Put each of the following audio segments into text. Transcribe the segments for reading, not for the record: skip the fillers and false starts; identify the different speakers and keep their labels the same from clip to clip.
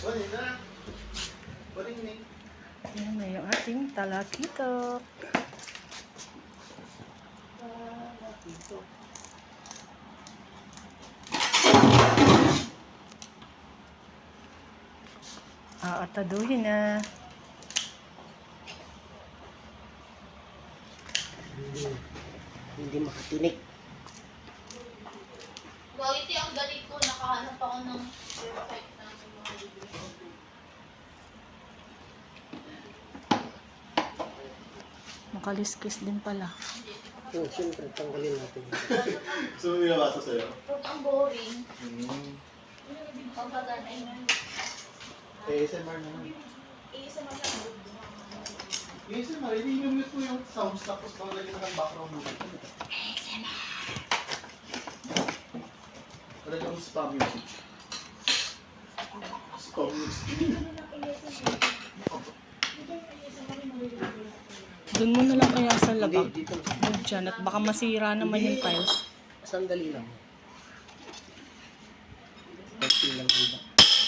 Speaker 1: Yan na yung ating talakitok. Ataduhin na.
Speaker 2: Hindi makatinik.
Speaker 3: Quality ang galing ko. Nakahanap ako ng perfect na mga video.
Speaker 1: Makaliskis din pala.
Speaker 2: Oo, siyempre, tanggalin natin.
Speaker 4: Gusto mo binabasa sa'yo?
Speaker 3: Pero ang boring. Pagkaganay na.
Speaker 4: ASMR naman.
Speaker 3: Isa man lang.
Speaker 4: ASMR, hindi i-mute mo yung sounds tapos maglagay na ng background music. Wala kang spam music. Spam music.
Speaker 1: Doon mo na lang kaya sa labag.
Speaker 2: Hindi, dito.
Speaker 1: Huwag dyan. At baka masira naman yung tiles.
Speaker 2: Sandali lang. Pagpil lang iba.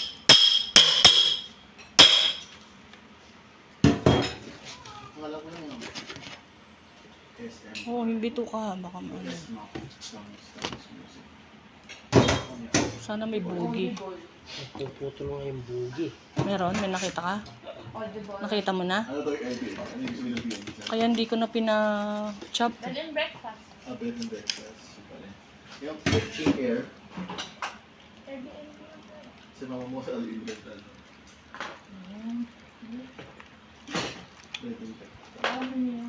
Speaker 4: Ang alam ko lang yung ASMR.
Speaker 1: Oo, hindi to ka. Baka ano.
Speaker 4: Sounds music.
Speaker 1: Sana may bugi.
Speaker 2: Nagpuputol nga yung bugi.
Speaker 1: Meron? May nakita ka? Nakita mo na?
Speaker 4: Ano to yung LB? Ano yung sabihin ng PNB?
Speaker 1: Kaya hindi ko na pina-chop.
Speaker 3: Bed and breakfast.
Speaker 4: Bed and breakfast. Yung kitchen air. Sa mga mo sa alimental. Bed and breakfast.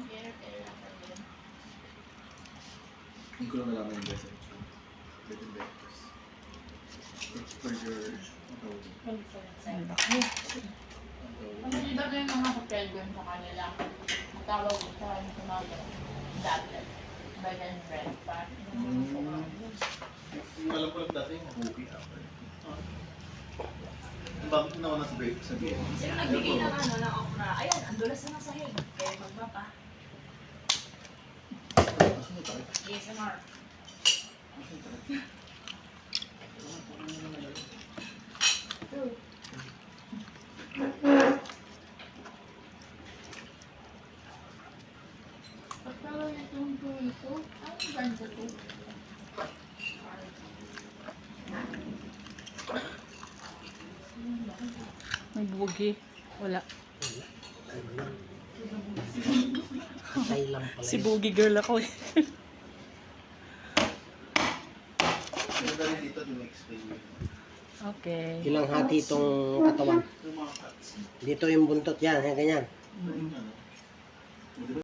Speaker 4: Hindi ko lang nalaman yung bed and breakfast. Bed and breakfast. It's for your...
Speaker 1: Ang laki.
Speaker 3: Ano diba na yung mga hotel doon sa kanila? Ang tawag ko sa kanila sa mga dapat. Bed and breakfast.
Speaker 4: Yung alam ko lang dati yung movie after. Bakit naman nasa break sa BN?
Speaker 5: Sino nagbigay ng ano ng okra? Ayan, andulas na sa sahig. Kaya magbaba.
Speaker 4: Asan yung tayo?
Speaker 5: ASMR.
Speaker 4: Asan yung tayo?
Speaker 3: Pagtawag itong ito, ang ganda to.
Speaker 1: May bugi. Wala.
Speaker 2: Patay lang pala.
Speaker 1: Si bugi girl ako eh.
Speaker 4: Yung dali dito, din-explain mo.
Speaker 1: Okay.
Speaker 2: Ilang hati itong katawan.
Speaker 4: Yung mga cuts.
Speaker 2: Dito yung buntot yan, yan ganyan.
Speaker 4: Yung ano,